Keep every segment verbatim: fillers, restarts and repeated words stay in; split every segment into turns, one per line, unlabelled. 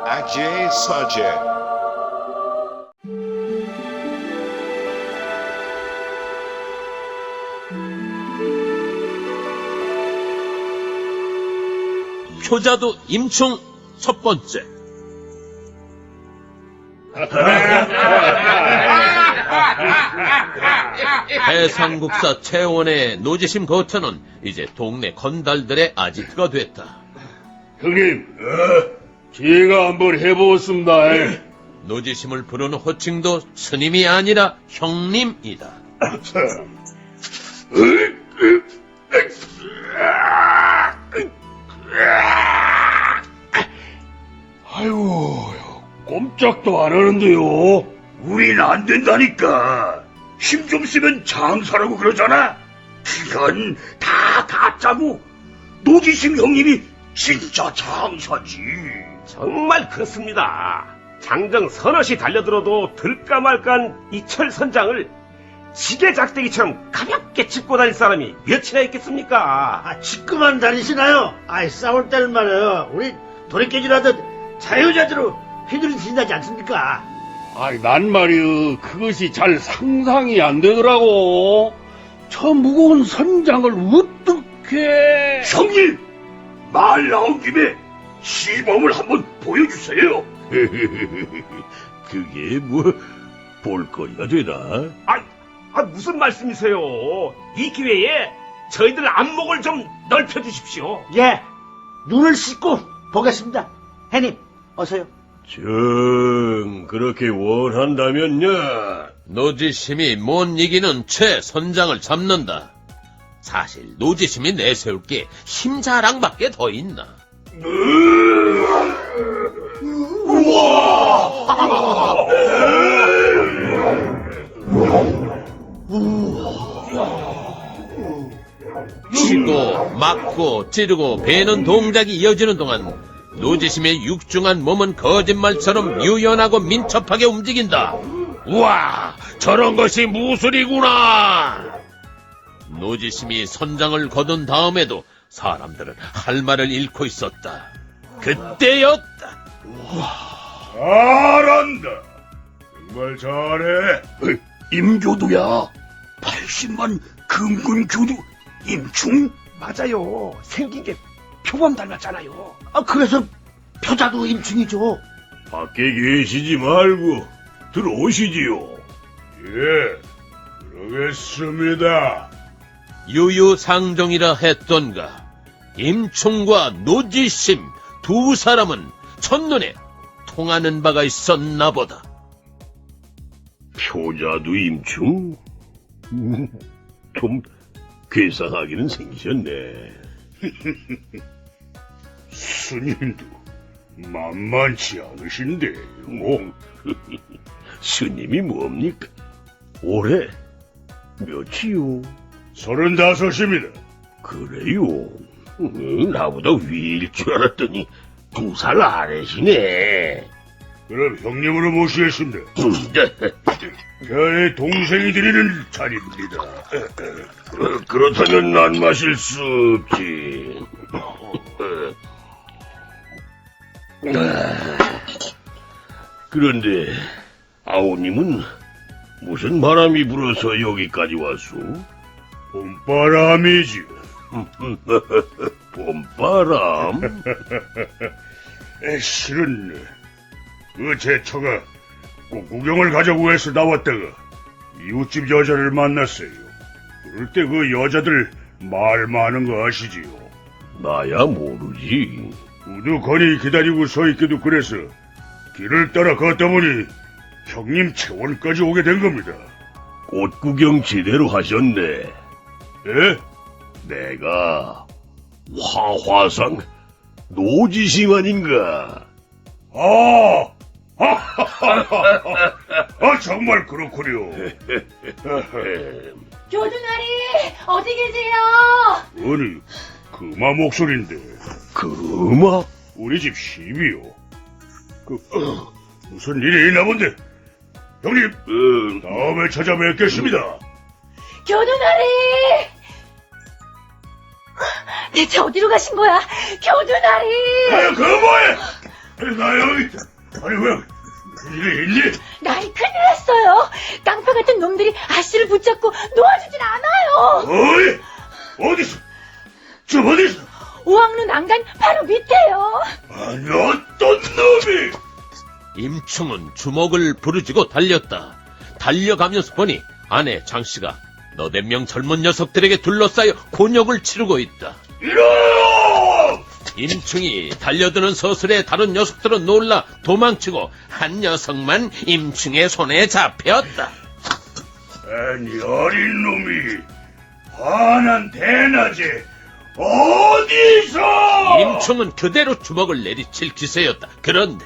Ajay Sajay.
효자도 임충 첫 번째. 해상국사 채원의 노지심 거처는 이제 동네 건달들의 아지트가 됐다.
형님, 제가 한번 해보겠습니다.
노지심을 부르는 호칭도 스님이 아니라 형님이다.
아이고, 꼼짝도 안 하는데요. 우린 안 된다니까. 힘 좀 쓰면 장사라고 그러잖아. 이건 다 가짜고 노지심 형님이 진짜 장사지.
정말 그렇습니다. 장정 서너시 달려들어도 들까 말까한 이철 선장을 지게 작대기처럼 가볍게 짚고 다닐 사람이 몇이나 있겠습니까?
아, 짚고만 다니시나요? 아이, 싸울 때는 말이에요. 우리 도리깨질하듯 자유자재로 휘두르신다지 않습니까?
아이, 난 말이여, 그것이 잘 상상이 안 되더라고. 저 무거운 선장을 어떻게... 형님! 말 나온 김에 시범을 한번 보여주세요. 그게 뭐 볼거리가 되나?
아, 아, 무슨 말씀이세요? 이 기회에 저희들 안목을 좀 넓혀주십시오.
예, 눈을 씻고 보겠습니다. 해님, 어서요.
정 그렇게 원한다면요.
노지심이 못 이기는 최 선장을 잡는다. 사실 노지심이 내세울 게 힘자랑밖에 더 있나. 치고 맞고 찌르고 베는 동작이 이어지는 동안 노지심의 육중한 몸은 거짓말처럼 유연하고 민첩하게 움직인다. 우와, 저런 것이 무술이구나. 노지심이 선장을 거둔 다음에도 사람들은 할 말을 잃고 있었다. 그때였다.
잘한다. 정말 잘해. 임교두야. 팔십만 금군교두 임충?
맞아요. 생긴 게 표범 닮았잖아요.
아, 그래서 표자도 임충이죠.
밖에 계시지 말고 들어오시지요. 예, 그러겠습니다.
유유상종이라 했던가. 임충과 노지심 두 사람은 첫눈에 통하는 바가 있었나 보다.
표자도 임충? 좀 괴상하기는 생기셨네. 스님도 만만치 않으신데. 뭐? 스님이 뭡니까? 올해 몇이요? 서른다섯입니다. 그래요? 음, 나보다 위일 줄 알았더니 두 살 아래시네. 그럼 형님으로 모시겠습니다. 저의 동생이 드리는 자리입니다. 어, 그렇다면 난 마실 수 없지. 그런데 아우님은 무슨 바람이 불어서 여기까지 왔소? 봄바람이지. 봄바람? 에, 실은 그 제 처가 꼭 구경을 가자고 해서 나왔다가 이웃집 여자를 만났어요. 그럴 때 그 여자들 말 많은 거 아시지요? 나야 모르지. 우두커니 기다리고 서 있기도 그래서 길을 따라 걷다 보니 형님 채원까지 오게 된 겁니다. 꽃 구경 제대로 하셨네. 예? 내가 화화상 노지심 아닌가? 아! 아, 정말 그렇군요.
교두나리 어디 계세요?
아니, 금마 목소리인데. 금마? 우리 집 시비요. 그, 어, 무슨 일이 있나 본데. 형님, 음, 다음에 찾아뵙겠습니다.
교두나리 대체 어디로 가신 거야? 교두나리
아, 그 뭐해? 나 여기 있다. 아니, 왜, 이래, 있니?
나이 큰일 났어요. 깡패 같은 놈들이 아씨를 붙잡고 놓아주질 않아요.
어이? 어디서? 저 어디서?
오왕루 난간 바로 밑에요.
아니, 어떤 놈이?
임충은 주먹을 부르짖고 달렸다. 달려가면서 보니 아내 장씨가 너댓 명 젊은 녀석들에게 둘러싸여 곤욕을 치르고 있다.
이러!
임충이 달려드는 서슬에 다른 녀석들은 놀라 도망치고 한 녀석만 임충의 손에 잡혔다.
아니, 어린 놈이 환한 대낮에 어디서?
임충은 그대로 주먹을 내리칠 기세였다. 그런데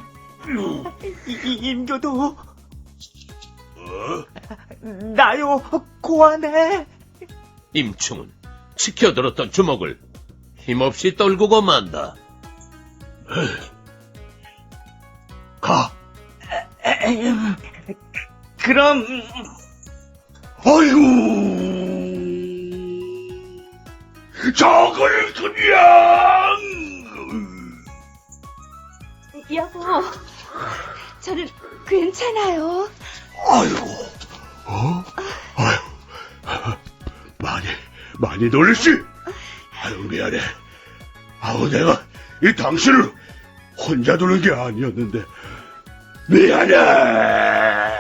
임교도
어?
나요 고안해.
임충은 치켜들었던 주먹을 힘없이 떨구고 만다.
가.
그럼
아이고, 저걸 그냥.
여보, 저는 괜찮아요.
아이고, 어? 아유, 많이, 많이 놀랬지? 아유, 미안해. 아우, 내가 이 당신을 혼자 두는 게 아니었는데, 미안해.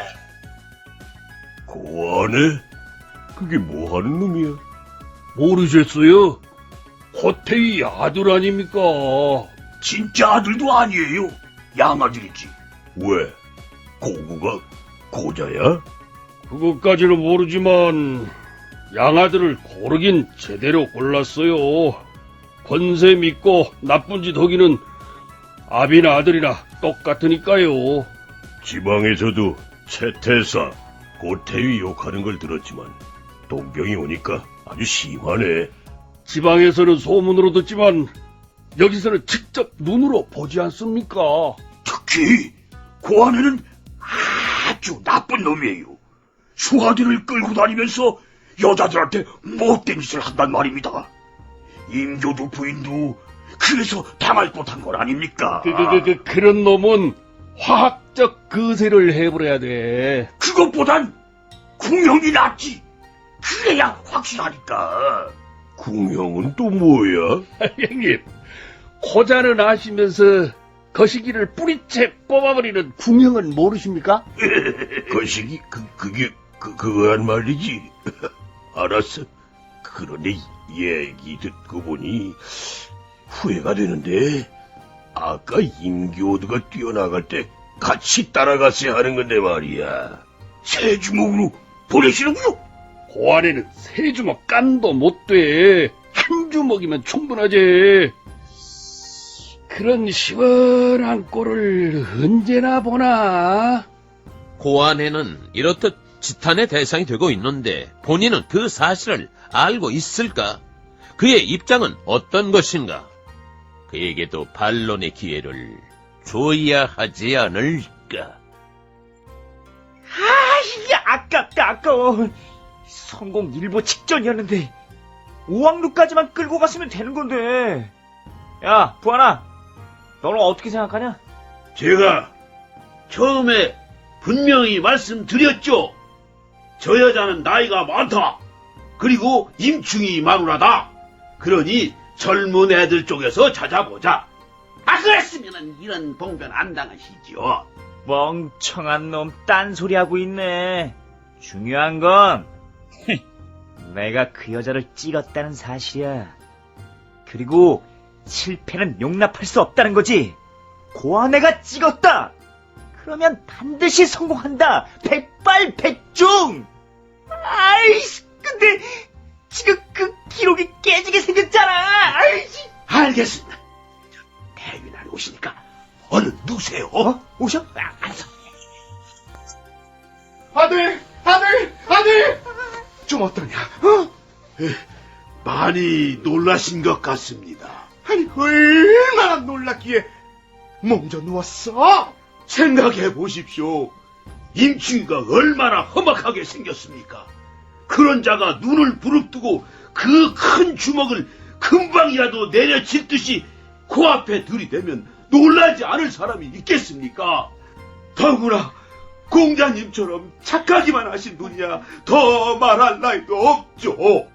고안해? 그게 뭐 하는 놈이야?
모르셨어요? 호태이 아들 아닙니까?
진짜 아들도 아니에요. 양아들이지. 왜? 고구가 고자야?
그것까지는 모르지만 양아들을 고르긴 제대로 골랐어요. 권세 믿고 나쁜 짓 하기는 아비나 아들이나 똑같으니까요.
지방에서도 채태사, 고태위 욕하는 걸 들었지만 동병이 오니까 아주 심하네.
지방에서는 소문으로 듣지만 여기서는 직접 눈으로 보지 않습니까?
특히 고아내는 아주 나쁜 놈이에요. 수하들을 끌고 다니면서 여자들한테 못된 짓을 한단 말입니다. 임교도 부인도 그래서 당할 법한 건 아닙니까?
그, 그, 그, 그, 그런 놈은 화학적 거세를 해버려야 돼.
그것보단 궁형이 낫지. 그래야 확실하니까. 궁형은 또 뭐야?
형님, 고자는 아시면서 거시기를 뿌리채 뽑아버리는 궁형은 모르십니까?
거시기 그 그게 그 그거란 말이지. 알았어. 그런데 얘기 듣고 보니 후회가 되는데 아까 임교도가 뛰어나갈 때 같이 따라갔어야 하는 건데 말이야. 새 주먹으로 보내시는군요.
고안에는 세 주먹 깐도 못 돼. 한 주먹이면 충분하지. 그런 시원한 꼴을 언제나 보나?
고아내는 이렇듯 지탄의 대상이 되고 있는데 본인은 그 사실을 알고 있을까? 그의 입장은 어떤 것인가? 그에게도 반론의 기회를 줘야 하지 않을까?
아, 이게 아깝다 아까워. 성공 일보 직전이었는데 오왕루까지만 끌고 갔으면 되는 건데. 야, 부하나, 너는 어떻게 생각하냐?
제가 처음에 분명히 말씀드렸죠. 저 여자는 나이가 많다. 그리고 임충이 마누라다. 그러니 젊은 애들 쪽에서 찾아보자. 아, 그랬으면 이런 봉변 안 당하시죠.
멍청한 놈 딴소리하고 있네. 중요한 건 내가 그 여자를 찍었다는 사실이야. 그리고 실패는 용납할 수 없다는 거지. 고아내가 찍었다. 그러면 반드시 성공한다. 백발백중. 아이씨, 근데 지금 그 기록이 깨지게 생겼잖아. 아이씨.
알겠습니다. 대위날 오시니까 얼른 누세요.
어? 오셔? 아, 알았어.
아들, 아들, 아들! 좀 어떠냐? 어?
많이 놀라신 것 같습니다.
아니, 얼마나 놀랐기에 몸져 누웠어?
생각해 보십시오. 임충이가 얼마나 험악하게 생겼습니까? 그런 자가 눈을 부릅뜨고 그 큰 주먹을 금방이라도 내려칠 듯이 코앞에 들이대면
놀라지 않을 사람이 있겠습니까? 더구나 공자님처럼 착하기만 하신 분이야 더 말할 나위도 없죠.